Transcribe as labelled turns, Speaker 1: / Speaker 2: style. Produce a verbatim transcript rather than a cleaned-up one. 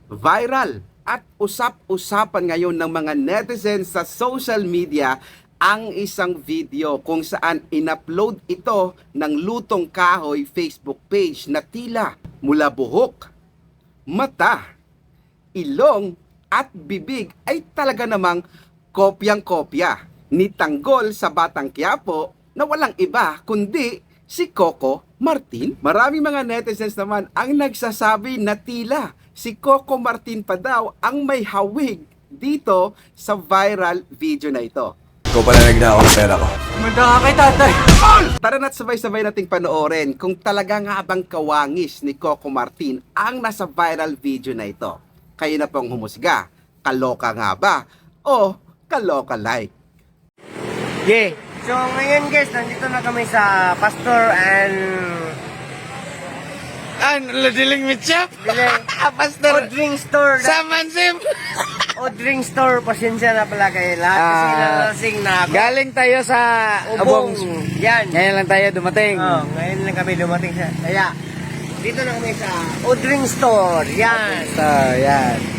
Speaker 1: Viral at usap-usapan ngayon ng mga netizens sa social media ang isang video kung saan inupload ito ng Lutong Kahoy Facebook page na tila mula buhok, mata, ilong at bibig ay talaga namang kopyang-kopya ni Tanggol sa Batang Quiapo na walang iba kundi si Coco Martin. Maraming mga netizens naman ang nagsasabi na tila si Coco Martin pa daw ang may hawig dito sa viral video na ito.
Speaker 2: Ikaw pala nagnakaw ng pera ko.
Speaker 3: Manda ka kay tatay.
Speaker 1: Tara na't sabay-sabay nating panoorin kung talaga nga bang kawangis ni Coco Martin ang nasa viral video na ito. Kayo na pong humusga, kaloka nga ba o kaloka-like?
Speaker 3: Yeah. So ngayon guys, nandito na kami sa Pastor and
Speaker 4: An, ladiling mitchap?
Speaker 3: Diling
Speaker 4: Pastor,
Speaker 3: Drink Store.
Speaker 4: sa Mansim.
Speaker 3: O drink store, pasensya na pala kayo lahat kasi
Speaker 4: Ah.
Speaker 3: nalasing na ako.
Speaker 4: Galing tayo sa
Speaker 3: Ubong.
Speaker 4: Abong.
Speaker 3: Yan.
Speaker 4: Ngayon lang tayo dumating.
Speaker 3: Oh, ngayon lang kami dumating sa. Kaya dito na kami sa O Drink Store. Yan.
Speaker 4: So, yan.